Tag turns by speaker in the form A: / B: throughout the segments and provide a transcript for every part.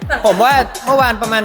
A: ผมว่าเมื่อวานประมาณ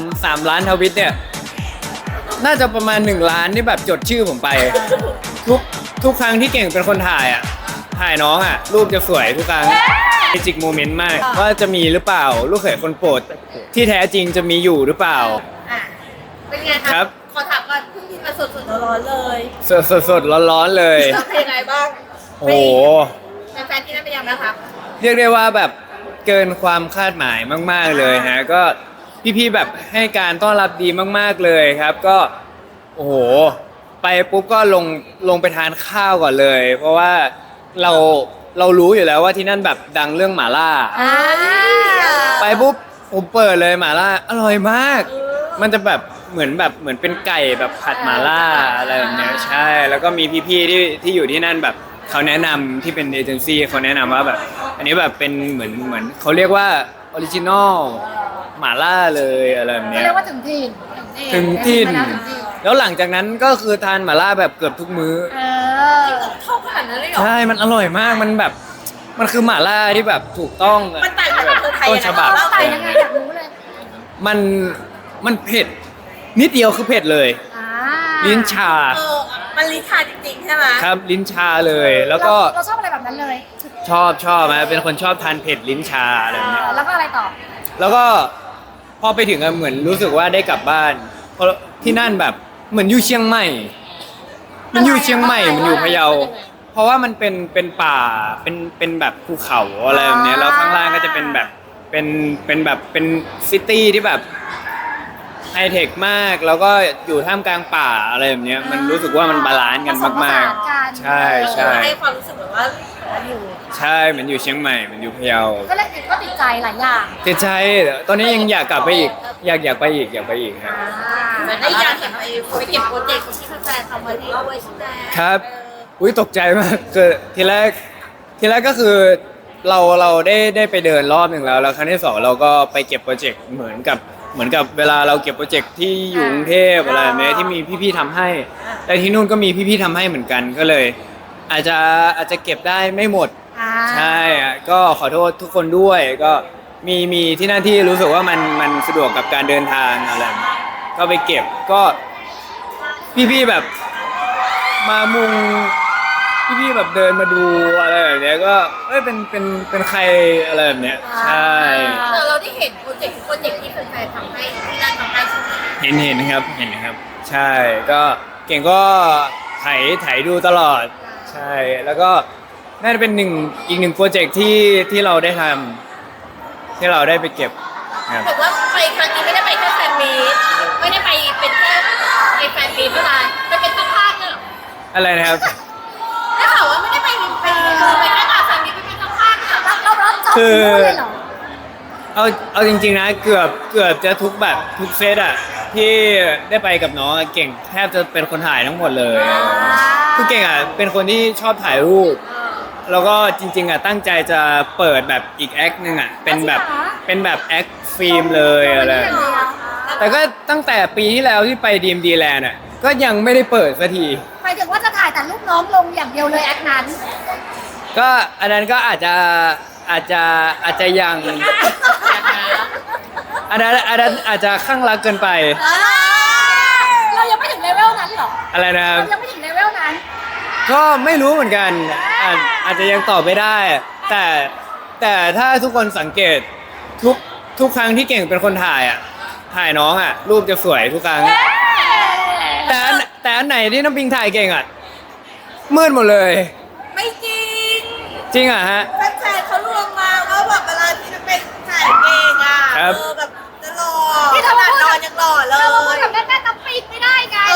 A: 3 ล้านทวิตเนี่ยน่าจะประมาณ1 ล้านที่แบบจดชื่อผมไปทุกทุกครั้งที่เก่งเป็นคนถ่ายอ่ะถ่ายน้องอ่ะรูปจะสวยทุกครั้งเมจิกโมเมนต์มากว่าจะมีหรือเปล่าลูกเขยคนโปรดที่แท้จริงจะมีอยู่หรือเปล่า
B: อ่ะเป็นไง
A: ครับ
B: ขอถามก่อนเพิ่งกินมาสดๆร้อนๆเลย
A: สดร้อนๆเลย
B: เป็นยังไงบ้าง
A: โอ้โห
B: แฟนๆที่นั่นเป็นยังไงบ้างคะ
A: เรียกได้ว่าแบบเกินความคาดหมายมากๆเลยฮะก็พี่ๆแบบให้การต้อนรับดีมากๆเลยครับก็โอ้โหไปปุ๊บก็ลงไปทานข้าวก่อนเลย เพราะว่าเรารู้อยู่แล้วว่าที่นั่นแบบดังเรื่องหม่าล่าไปปุ๊บผมเปิดเลยหม่าล่าอร่อยมาก มันจะแบบเหมือนเป็นไก่แบบผัดหม่าล่าอะไรแบบเนี้ยใช่แล้วก็มีพี่ๆที่อยู่ที่นั่นแบบเขาแนะนำที่เป็นเอเจนซี่เขาแนะนำว่าแบบอันนี้แบบเป็นเหมือนเขาเรียกว่าออริจินอลหม่าล่าเลยอะไรแบบ
C: เขา
A: เนี้ย
C: เรียกว่าถึงถิ่น
A: ถึงถิ่น
C: ถึงถิ่น
A: แล้วหลังจากนั้นก็คือทานหม่าล่าแบบเกือบทุกมื้อ
B: ชอบขนาดนั้นเลยเหรอ
A: ใช่มันอร่อยมากมันแบบมันคือหม่าล่าที่แบบถูกต้อง
B: มันต่างจากเมืองไทย
A: ต้นฉบับ
C: เราใส่ยังไงอยากรู้เลย
A: มันเผ็ดนิดเดียวคือเผ็ดเลย
C: อ่า
A: ลิ้นชา
B: มันลิ้นชาจริงๆใช่ไหม
A: ครับลิ้นชาเลยแล้วก็
C: เราชอบอะไรแบบนั้นเลย
A: ชอบนะเป็นคนชอบทานเผ็ดลิ้นชาอะไรแบบเนี้ย
C: แล้วก็อะไรต่อ
A: แล้วก็พอไปถึงอะเหมือนรู้สึกว่าได้กลับบ้านเพราะที่นั่นแบบเหมือนอยู่เชียงใหม่ มันอยู่เชียงใหม่มันอยู่พะเยา เพราะว่ามันเป็นป่าเป็นแบบภูเขาอะไรแบบเนี้ยแล้วข้างล่างก็จะเป็นแบบเป็นแบบเป็นซิตี้ที่แบบไฮเทคมากแล้วก็อยู่ท่ามกลางป่าอะไรแบบเนี้ยมันรู้สึกว่ามันบาลานซ์กันมากๆใช่ใช่
B: ให้ความรู้สึกแบบว่าอยู่
A: ใช่เหมือนอยู่เชียงใหม่เหมือนอยู่พะเยา
C: ก็เลยก็ติดใจหลายอย่าง
A: ติดใจตอนนี้ยังอยากกลับไปอีกอยากไปอีกครับ
B: และอีกอย่างเห็นไปเก็บโปรเจกต์ที่แฟนๆทำไว้ที่ด้วยใช่ไหม
A: ครับอุ้ยตกใจมากคือทีแรกก็คือเราได้ไปเดินรอบหนึ่งแล้วครั้งที่สองเราก็ไปเก็บโปรเจกต์เหมือนกับเวลาเราเก็บโปรเจกต์ที่อยู่กรุงเทพอะไรแบบนี้ที่มีพี่ๆทำให้แต่ที่นู่นก็มีพี่ๆทำให้เหมือนกันก็เลย อาจจะเก็บได้ไม่หมดใช่ก็ขอโทษทุกคนด้วยก็มีที่นั่นที่รู้สึกว่ามันสะดวกกับการเดินทางอะไรก็ไปเก็บก็พี่ๆแบบมามุงพี่ๆแบบเดินมาดูอะไรแบบเนี้ยก็เป็นใครอะไรแบบเนี้ยใช่
B: เราได้เห็นโปรเจกต์ที่แฟนๆทำให้ที่นั่นทำให้ใช่ไหม
A: เห็นครับใช่ก็เก่งก็ไถดูตลอดใช่แล้วก็น่าจะเป็นอีกหนึ่งโปรเจกต์ที่เราได้ทำที่เราได้ไปเก็บครับ
B: บอกว่าไปครั้งนี้ไม่ได้ไปแค่แฟนมีตไม่ได้ไปเป็นแค่ในแฟนมีตเท่านั้นไปเป็นเจ้าภาพเนี่ยหรอ
A: อะไรนะครับ
B: ได้ข่าวว่าไม่ได้ไปแค่งานแฟนมีตไปเป็นเจ้าภาพเนี่ย
C: เราจบ
A: คือ
C: เลยเหรอ
A: เอาจริงๆนะเกือบจะทุกแบบทุกเซตอะที่ได้ไปกับน้องอะเก่งแทบจะเป็นคนถ่ายทั้งหมดเลยคือเก่งอะเป็นคนที่ชอบถ่ายรูปแล้วก็จริงๆอะตั้งใจจะเปิดแบบอีกแอคหนึ่งอะเป็นแบบแอคฟิล์มเลยอะไรแต่ก็ตั้งแต่ปีที่แล้วที่ไป DMD Land อะก็ยังไม่ได้เปิดสักที
C: หมายถึงว่าจะถ่ายแต่รูปน้องลงอย่างเดียวเลยแอคนั้น
A: ก็อันนั้นก็อาจจะยังอันนั้นอาจจะข้างรักเกินไป
C: เรายังไม่ถึงเลเวลนั้นเหรอ
A: อะไรนะครับ
C: เรายังไม่ถึงเลเวลนั้น
A: ก็ไม่รู้เหมือนกันอาจจะยังตอบไม่ได้ แต่ถ้าทุกคนสังเกตทุกครั้งที่เก่งเป็นคนถ่ายอ่ะถ่ายน้องอ่ะรูปจะสวยทุกครั้ง แต่อันไหนที่น้ำปิงถ่ายเก่งอ่ะมืดหมดเลย
B: ไม่จริง
A: จริงอ่ะฮะ
B: แฟนๆเขาลวงมาว่าแบบเวลาที่จะเป็นถ่ายเองอ่ะ
A: ครับ
B: แบบจะหล่อขนาดนอนยังหล่อเล
C: เราพูด
B: ย
C: กับแม่น้ำปิงไม่ได้ไง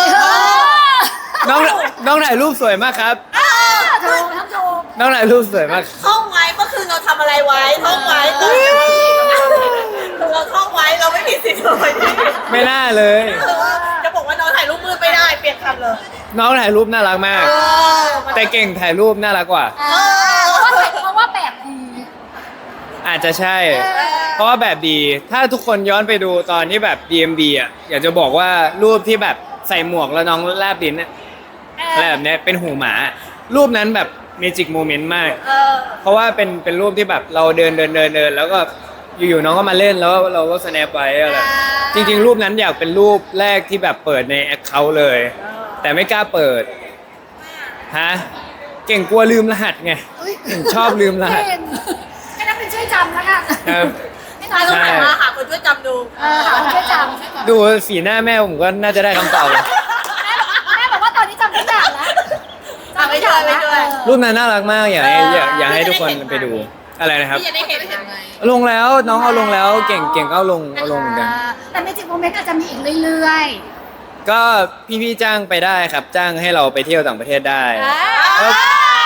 A: น้องถ่ายรูปสวยมากครับ
C: โชว์ทำโชว์
A: น้องถ่ายรูปสวยมาก
B: ท่องไว้เมื่อคืนเราทำอะไรไว้ท่องไว้เราท่องไว้เราไม่มีสิทธิ์เลย
A: ไม่น่าเลย
B: จะบอกว่าน้องถ่ายรูปมืดไม่ได้เปลี่ยนคำเลย
A: น้องถ่ายรูปน่ารักมาก แต่เก่งถ่ายรูปน่ารักกว่า
C: เพราะว่าแบบดี
A: อาจจะใช่ เพราะว่าแบบดี ถ้าทุกคนย้อนไปดูตอนที่แบบ DMB อ่ะ อยากจะบอกว่ารูปที่แบบใส่หมวกแล้วน้องแลบลิ้นอะอะไรแบบเนี้ยเป็นหูหมา รูปนั้นแบบเมจิกโมเมนต์มาก เพราะว่าเป็นรูปที่แบบเราเดินแล้วก็อยู่ๆน้องก็มาเล่นแล้วเราก็ snap ไว้อะไรจริงๆรูปนั้นอยากเป็นรูปแรกที่แบบเปิดในแอคเคาท์เลย แต่ไม่กล้าเปิดฮะเก่งกลัวลืมรหัสไงชอบลืมรหัส
C: เก่งให้นักเป็นช่วยจำแล้วกัน
A: ครับ
C: ให้น้อย
B: เรา
C: ลง
B: หัน
C: มา
B: มาหาคนช่วยจำดู
C: หาคนช่วยจำ
A: ดูสีหน้าแม่ผมก็น่าจะได้คำตอบเลย
C: แม่บอกว่าตอนนี้จำทุกอย่างแล้ว
B: ไม่ช่วยไม่ช่วย
A: รูปนั้นน่ารักมากอยากให้ทุกคนไปดูอะไรนะครับ
B: พี่จะได้เห็นยังไง
A: ลงแล้วน้องเอาลงแล้วเก่งก็เอาลงเหมือนกัน
C: แต่เมจิกโมเมนต์อาจจะมีอีกเรื่อย
A: ก็พี่ๆจ้างไปได้ครับ จ้างให้เราไปเที่ยวต่างประเทศได้
C: ๆ
A: แล้ว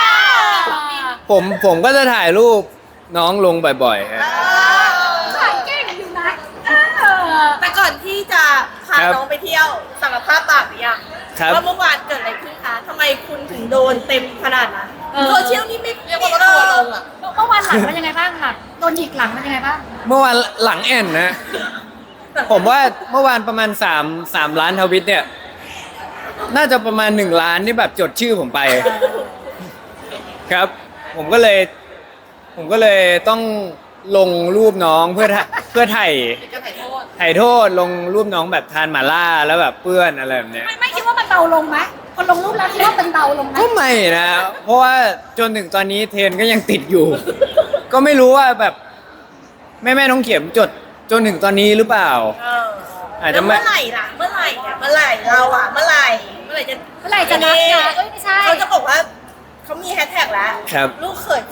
A: ผมก็จะถ่ายรูปน้องลงบ่อยๆฮะ
C: ขายเก่งอยู่นะ
B: แต่ก่อนที่จะพา
A: ครับ
B: น้องไปเที่ยวสารภาพบาปหรือยัง
A: ครับ
B: ว่าเมื่อวานเกิดอะไรขึ้นคะทำไมคุณถึงโดนเต็มขนาดนั้นโซเชียลนี่ไม่เรียกว่าทัวร์ลงอ่ะ
C: เมื่อวานหลังเป็นยังไงบ้างหลังโดนหยิกหลังเป็นยังไงบ้าง
A: เมื่อวานหลังแอนนะ ผมว่าเมื่อวานประมาณ3 ล้านทวิตเนี่ย น่าจะประมาณ1 ล้านที่แบบจดชื่อผมไป ครับ ผมก็เลยต้องลงรูปน้องเพื่อถ่ายโทษลงรูปน้องแบบทานหม่าล่าแล้วแบบเปื้อนอะไรแบบเนี้ย
C: ไม่คิดว่ามันเบาลงไหมคนลงรูปแล้วคิดว่ามันเบาลงไหม
A: ก็ไม่นะ เพราะว่าจนถึงตอนนี้เทรนก็ยังติดอยู่ ก็ไม่รู้ว่าแบบแม่น้องเข็มจดจนถึงตอนนี้หรือเปล่า อาจจะ
B: แล้ว
A: ไม่
B: เมื่อไหร่ล่ะเมื่อไหร่เนี่ยเมื่อไหร่เราอ่ะเมื่อไหร่จะ
C: เมื่อไหร่จะนับนะเอ้ยไม่ใช่
B: เขาจะบอกว่าเขามีแฮชแท็กแล้ว
A: ครับ
B: ลูกเขยคน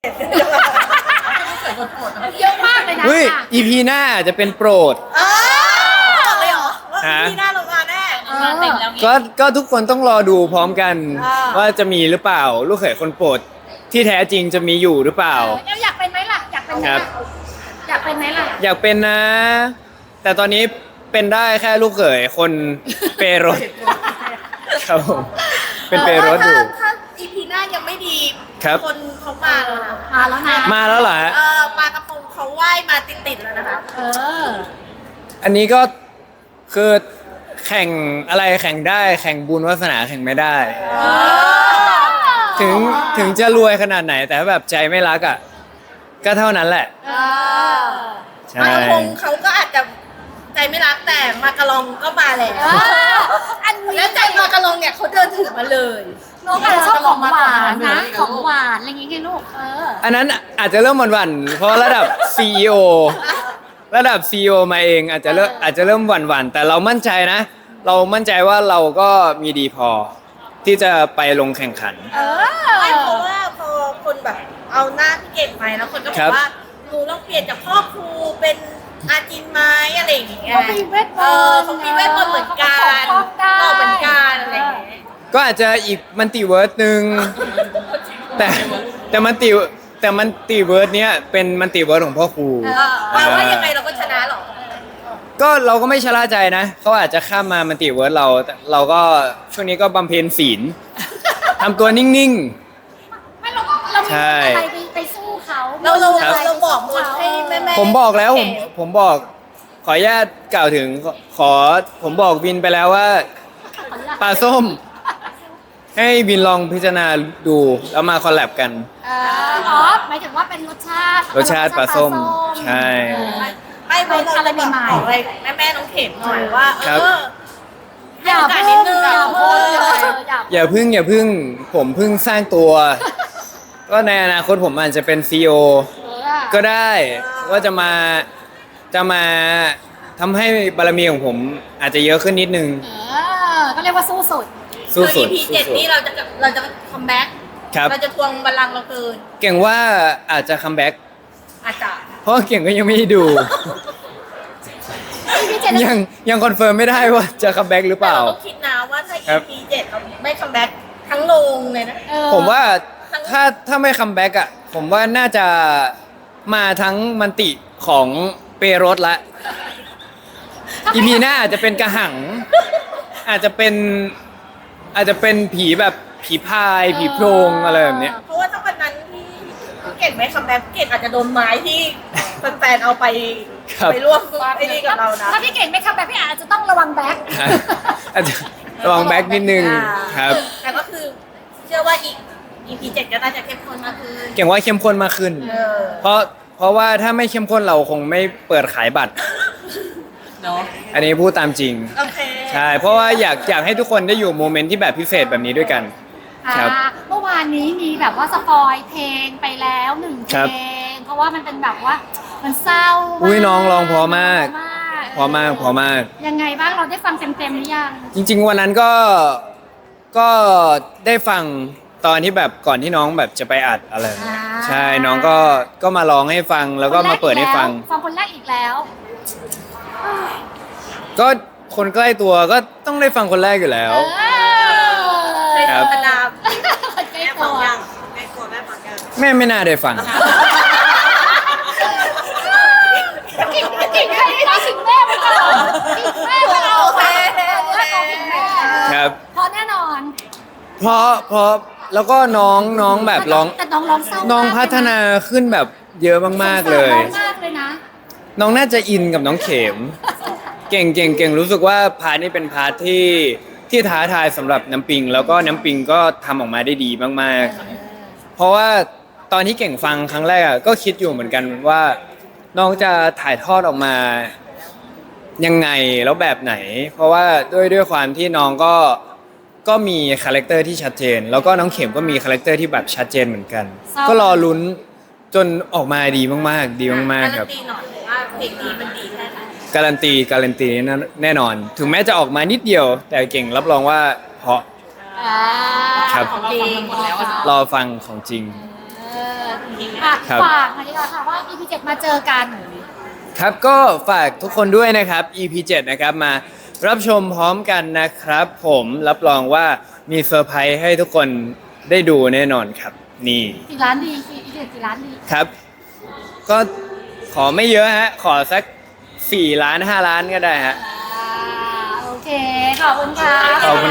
C: เยอะมากเลยนะ
A: เฮ้ย EP หน้าอาจจะเป็นโปรด
B: บอกเลยเหรอว่า
A: ฮะ
B: พี่หน้าลงมาแน่
C: มาเต็มแล้ว
A: ก็ทุกคนต้องรอดูพร้อมกัน
B: อ่า
A: ว่าจะมีหรือเปล่า ลูกเขยคนโปรดที่แท้จริงจะมีอยู่หรือเปล่า
C: อยากเป็นไหมล่ะอยากเป็นไหม
A: ครั
C: ล่ะ
A: บ
C: อยากเป็นไหมล่ะ
A: อยากเป็นนะ แต่ตอนนี้เป็นได้แค่ลูกเขยคนเปรถครับผมเป็นเปรถอยู่
B: ถ้า EP หน้ายังไม่ดี
A: ครับ
B: คนเขามาแล้วนะ
C: มาแล้วนะ
A: มาแล้วเหรอฮะ
B: ปลากระพงเขาว่ายมาติดๆแล้วนะคะ
C: เออ
A: อันนี้ก็คือแข่งอะไรแข่งได้แข่งบุญวาสนาแข่งไม่ได้ ถึงจะรวยขนาดไหน แต่ถ้าแบบใจไม่รักอ่ะก็เท่านั้นแหละ ใช่
B: ปลากระพงเขาก็อาจจะใจไม่รักแต่มากะลองก็มาแล้ว
C: อันนี้
B: แล้วใจมากะลองเนี่ยเขาเดินถือมาเลย
C: น้องอาจจะชอบของหวานนะ ของหวานอะไรอย่างงี้ไงลูก
A: อันนั้นอาจจะเริ่มหวั่นๆเพราะระดับ CEO ระดับ CEO มาเองอาจจะเริ่มหวั่นๆแต่เรามั่นใจนะ เรามั่นใจว่าเราก็มีดีพอ ที่จะไปลงแข่งขัน
B: ไม่เพราะว่าพอคนแบบเอาหน้าพี่เก่งไปแล้วคนก็บ
A: ครั
B: อบ กว่าหนูต้องเปลี่ยนจากพ่อครูเป็นอาจินไหม้อะไรอย่างเงี้ย
C: เขามีเวทมนต์
B: เขามีเวทมนต์เหมือนกัน
C: เขาปกป้องได้
B: เหมือนกันอะไรอย่างเงี้ย
A: ก็อาจจะอีกมันติเวิร์ดหนึ่งแต่มันติเวิร์ดเนี้ยเป็นมันติเวิร์ดของพ่อครู
B: แปลว่ายังไงเราก็ชนะหรอ
A: ก็เราก็ไม่ชะล่าใจนะเขาอาจจะข้ามมามันติเวิร์ดเราแต่เราก็ช่วงนี้ก็บำเพ็ญศีลทำตัวนิ่ง
C: ไม่เรามี
A: ใช่
C: อะไรไปสู้เขา
B: เราบอกหมดให้แม่
A: ๆ ผมบอกแล้วผมบอกขออนุญาตกล่าวถึงผมบอกวินไปแล้วว่าปลาส้ม ให้วินลองพิจารณาดูแล้วมาคอลแลบกัน
C: อ๋อหมายถึงว่าเป็นรสชาติ
A: รสชาติปลาส้มใช่
B: ไม่เพราะเราจะบอกอะไรแม่น้องเข็มหน่อยว่า
A: ครับ
B: ให้โอกาสนิดนึง
C: อย่าพูด
A: อย่าพึ่งผมเพึ่งสร้างตัว ก็ในอนาคตผมอาจจะเป็นซีอก็ได้ว่าจะมาทำให้บารมีของผมอาจจะเยอะขึ้นนิดนึง
C: ก็เรียกว่าสู้สุด
A: สู้สุด
B: EP 7นี่เราจะคัมแบ็ก
A: ครับ
B: เราจะทวงบัลลังก์เราคืน
A: เก่งว่าอาจจะคัมแบ็ก
B: อาจจะ
A: เพราะเก่งก็ยังไม่ได้ดู
C: พี่เจน
A: ยังคอนเฟิร์มไม่ได้ว่าจะคัมแบ็กหรือเป
B: แต่
A: ล่า
B: เราต้องคิดนะว่าถ้า
A: ครับ
B: EP 7เราไม่คัมแบ็กทั้งโรงเลยนะ
A: ผมว่าถ้าไม่คัมแบ็กอ่ะผมว่าน่าจะมาทั้งมันติของเปรถละอีพีหน้าอาจจะเป็นกระหัง อาจจะเป็นผีแบบผีพายผีโพรงอะไรแบบเนี้ย
B: เพราะว่าถ้าวันนั้นที่เก่งไม่คัมแบ็กเก่งอาจจะโดนไม้ที่แฟนๆเอาไป
A: ครับ
B: ไปร่วมไอ้นี่กับเรานะ
C: ถ้าพี่เก่งไม่คัมแบ็คพี่อาจจะต้องระวังแบ็ค
A: อาจจะระวังแบ็กนิดนึงครับ
B: แต่ก็คือเชื่อว่าอีก EP 7ก็น่าจะเข้มข้นมากขึ้น
A: เก่งว่าเข้มข้นมากขึ้น
B: เออ
A: เพราะเพราะว่าถ้าไม่เข้มข้นเราคงไม่เปิดขายบัตร
C: เนาะ
A: อันนี้พูดตามจริง
C: โอเค
A: ใช่ เพราะว่าอยากให้ทุกคนได้อยู่โมเมนต์ที่แบบพิเศษแบบนี้ด้วยกัน ครับ
C: เมื่อวานนี้มีแบบว่าสปอยเพลงไปแล้วหนึ่งเพ
A: ครั
C: ล
A: บ
C: งเพราะว่ามันเป็นแบบว่ามันเศร้า
A: อุ๊ยน้องร้องเพราะมาก
C: เพราะมาก
A: พอมาก
C: ยังไงบ้างเราได้ฟังเต็มๆหรือยัง
A: จริง ๆ วันนั้นก็ได้ฟังตอนที่แบบก่อนที่น้องแบบจะไปอัดอะไร ใช่น้องก็มาร้องให้ฟังแล้วก็มาเปิดให้ฟัง
C: ฟังคนแรกอีกแล้ว
A: ก็คนใกล้ตัวก็ต้องได้ฟังคนแรกอยู่แล้ว
B: ใน
A: ครับ
B: ธรรมดา
C: คนใกล้ตัว
A: แม่ไม่น่าได้ฟัง
C: กิ่งใครไม่ได้กิ่งแม่ไม่เอากิ่งแม่ไม่เอา
B: โอเค
C: กิ่งแม่
A: ครับ
C: เพราะแน่นอน
A: เพราะแล้วก็น้องแบบร้อง
C: แต่น้องร้องเศร้า
A: น้องพัฒนาขึ้นแบบเยอะมากๆเลย
C: น้องมากเลยนะ
A: น้องน่าจะอินกับน้องเข็ม เก่งรู้สึกว่าพาร์ทนี้เป็นพาร์ทที่ท้าทายสำหรับน้ำปิง แล้วก็น้ำปิงก็ทำออกมาได้ดีมากๆ เพราะว่าตอนที่เก่งฟังครั้งแรกอะก็คิดอยู่เหมือนกันว่าน้องจะถ่ายทอดออกมายังไงแล้วแบบไหน เพราะว่าด้วยความที่น้องก็มีคาแรคเตอร์ที่ชัดเจน แล้วก็น้องเข็มก็มีคาแรคเตอร์ที่แบบชัดเจนเหมือนกัน ก็รอลุ้นจนออกมาดีมากๆ ดีมากๆครับ
B: การันตีหน่อยว่าเพลงนี้มันดีแค่ไหน
A: การันตีแน่นอน ถึงแม้จะออกมานิดเดียว แต่เก่งรับรองว่าเพราะ ครับ
C: ของจริงแล้วอะ
A: รอฟังของจริง ครับ
C: ฝากหน่อยดีกว่าค่ะว่า EP 7มาเจอกัน
A: ครับก็ฝากทุกคนด้วยนะครับ EP 7นะครับมารับชมพร้อมกันนะครับ ผมรับรองว่ามีเซอร์ไพรส์ให้ทุกคนได้ดูแน่นอนครับ นี่
C: กี่ล้านดีกี่ล้านดี
A: ครับ ก็ขอไม่เยอะฮะ ขอสัก4 ล้าน 5 ล้านก็ได้ฮะ
C: โอเค ขอบคุณค่ะ
A: ขอบคุณ